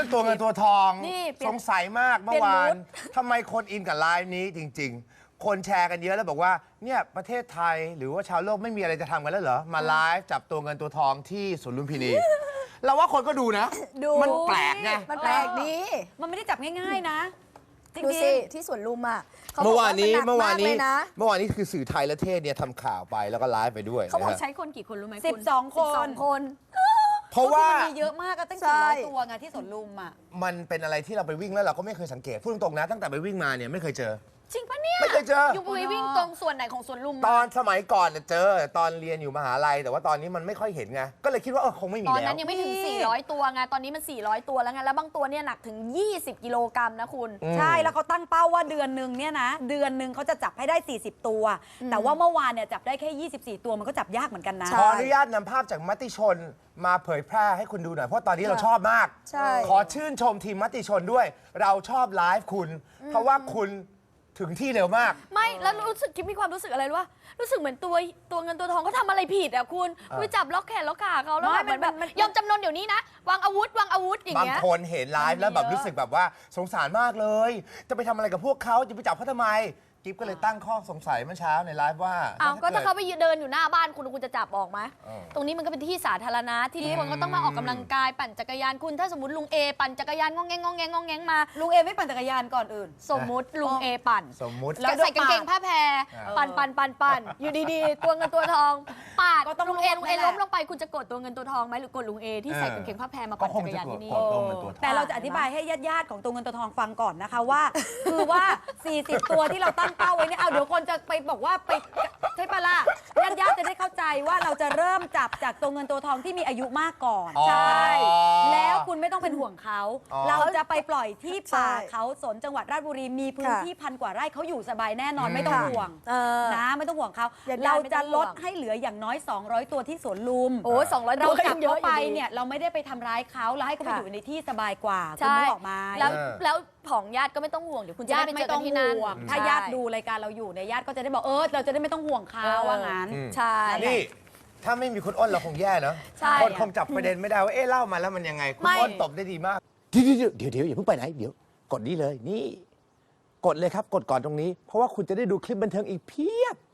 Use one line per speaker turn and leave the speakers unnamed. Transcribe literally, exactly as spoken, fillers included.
ตัวเงินตัวทอง
นี่เปลี่ยน
สงสัยมากเมื่อวา
เปลี่
น
ยนมูด
ทำไมคนอินกับไลฟ์นี้จริง ๆ คนแชร์กันเยอะแล้วบอกว่าเนี่ยประเทศไทยหรือว่าชาวโลกไม่มีอะไรจะทำกันแล้วเหรอมาไลฟ์จับตัวเงินตัวทองที่สวนลุมพินี เราว่าคนก็ดูนะ
ดู
มันแปลกไง
มันแปลกดี
มันไม่ได้จับง่ายๆนะจริง
ดู
ๆ
สิที่สวนลุมอ่ะขบ
เมื่
ก
อวานนี้
หก
เมื่อวานนี้
กเลยะ
เมื่อวานนี้คือสื่อไทยและเทศเนี่ยทำข่าวไปแล้วก็ไลฟ์ไปด้วย
เขาบอก
นะฮะ
ใช้คนกี่คนรู้ไหม
สิบสอง
คุณ
คน
สิบสองคน
เพราะว่า
ก็คือมันมีเยอะมากก็ตั้ง
ใช่
สี่ร้อยตัวไงที่สวนลุมอ่ะ
มันเป็นอะไรที่เราไปวิ่งแล้วเราก็ไม่เคยสังเกตพูดตรงๆนะตั้งแต่ไปวิ่งมาเนี่ยไม่เคยเจอ
จริงปะเนี่ย
ไม่เคยเจอ
ยูไปวิ่งตรงส่วนไหนของสวนลุม
ตอนสมัยก่อนเนี่ยเจอตอนเรียนอยู่มหาลัยแต่ว่าตอนนี้มันไม่ค่อยเห็นไงก็เลยคิดว่าเออคงไม่มี
ตอน
แล้
นั้
วน
ยังไม่ถึง
นี่
สี่ร้อยตัวไงตอนนี้มันสี่ร้อยตัวแล้วไงแล้วบางตัวเนี่ยหนักถึงยี่สิบกิโลกรัมนะคุณ
อืม
ใช่แล้วเขาตั้งเป้าว่าเดือนหนึ่งเนี่ยนะเดือนหนึ่งเขาจะจับให้ได้สี่สิบตัว แต่ว่าเมื่อวานเนี่ยจับได้แค่ยี่สิบสี่ตัวมันก็จับยากเหมือนกันนะ
ใช่
ขออนุญาตนำภาพจากมติชนมาเผยแพร่ให้คุณดูหน่อยเพราะตอนนี้เราชอบมาก
ใช่
ขอชื่นชมทีมมติชนด้วย เราชอบไลฟ์คุณ เพราะว่าคุณถึงที่เร็วมาก
ไม่แล้วรู้สึกคิดมีความรู้สึกอะไรรู้ว่ารู้สึกเหมือนตัวตัวเงินตัวทองเขาทำอะไรผิดอ่ะคุณไปจับล็อกแขนล็อกขาเขาแล้ว
ไม่
แบบเหมือนแบบ
มันมัน
ยอมจำนนเดี๋ยวนี้นะวางอาวุธวางอาวุธอย่าง
บาง
เงี้ย
คนเห็นไลฟ์แล้วแบบ
มันมีเยอะ
รู้สึกแบบว่าสงสารมากเลย จะไปทำอะไรกับพวกเขาจะไปจับเขาทำไมกิ๊บก็เลยตั้งข้อสงสัยเมื่อเช้าในไลฟ์ว่า
อ้าวก็ถ้าเขา
ด
ไปเดินอยู่หน้าบ้านคุณคุณจะจับออกไหม
เออ
ตรงนี้มันก็เป็นที่สาธารณะที่ทุกคนก็ต้องมาออกกำลังกายปั่นจักรยานคุณถ้าสมมติลุงเอปั่นจักรยานงองแงงงองแงงงองแงงมา
ลุงเอไม่ปั่นจักรยานก่อนอื่น
สมมุติลุงเอปั่น
สมมุติ
แล้วใส่กางเกงผ้าแพร
เออ
ปั่นปั่นปั่นปั่นอยู่ดีๆ ตัวเงินตัวทองปาด
ก็ต้อง
ลุงเอ
ลด
ลุงเอ
นั่นแหละ
ล้มลงไปคุณจะกดตัวเงินตัวทองไหมหรือกดลุงเอที่ใส่
เออ
กางเกงผ้าแพรมา
ก็
ปั่น
ค
จั
ง
กร
จะ
ยาน
กด
ที่นี่
กดตัวเงินตัวทอง
แต่เราจะอธิบายให้ญาติๆของตัวเงินตัวทองฟังก่อนนะคะว่า คือว่า สี่สิบ ตัวที่เราตั้งเป้าไว้เนี่ยเอาเดี๋ยวคนจะไปบอกว่าไปใช่ปะล่ะญาติๆจะได้เข้าใจว่าเราจะเริ่มจับจากตัวเงินตัวทองที่มีอายุมากก่อน
อ๋อ
ใช่แล้วคุณไม่ต้องเป็นห่วงเขา
อ๋อ
เราจะไปปล่อยที่ป่า
ใช่
เขาสนจังหวัดราชบุรีมีพื้น
ค่ะ
ที่พันกว่าไร่เขาอยู่สบายแน่นอน
อืม
ไม่ต้องห่วง
เออ
นะไม่ต้องห่วงเขา
ญาติๆ
เรา
ไม่ต้
จะ
องห่
ล
วง
ดให้เหลืออย่างน้อย สองร้อย ตัวที่สวนลุม
โอ้สองร้อย
เราจับ
เย
เขา
อะ
ไป
อยู่ดี
เนี่ยเราไม่ได้ไปทำร้ายเขาเราให้เขาไป
ค่ะ
อยู่ในที่สบายกว่าคุณ
ใช่
นึกออกไหม
แล้ว
เออ
แล้วของญาติก็ไม่ต้องห่วงเดี๋ยวคุณจะ
ญา
ได้
ติ
ไปเจ
ไม่
อกั
ต้อน ง
ที่นั่น
ห่วงถ้า
ใช่
ญาติดูรายการเราอยู่เนี่ยญาติก็จะได้บอกเออเราจะได้ไม่ต้องห่วงเขา
เออ
ว่างั้น
อืม
ใช่
นี่ถ้าไม่มีคุณอ้นเราคงแย่เนอะ
ใช่
คนคงจับประเด็นไม่ได้ว่าเอ๊ะเล่ามาแล้วมันยังไง คุณ
ไม่
อ้นตบได้ดีมาก เดี๋ยวเดี๋ยวเดี๋ยวเดี๋ยวอย่าเพิ่งไปไหน เดี๋ยว กดนี้เลยนี่ กดเลยครับ กดก่อนตรงนี้ เพราะว่าคุณจะได้ดูคลิปบันเทิงอีกเพียบ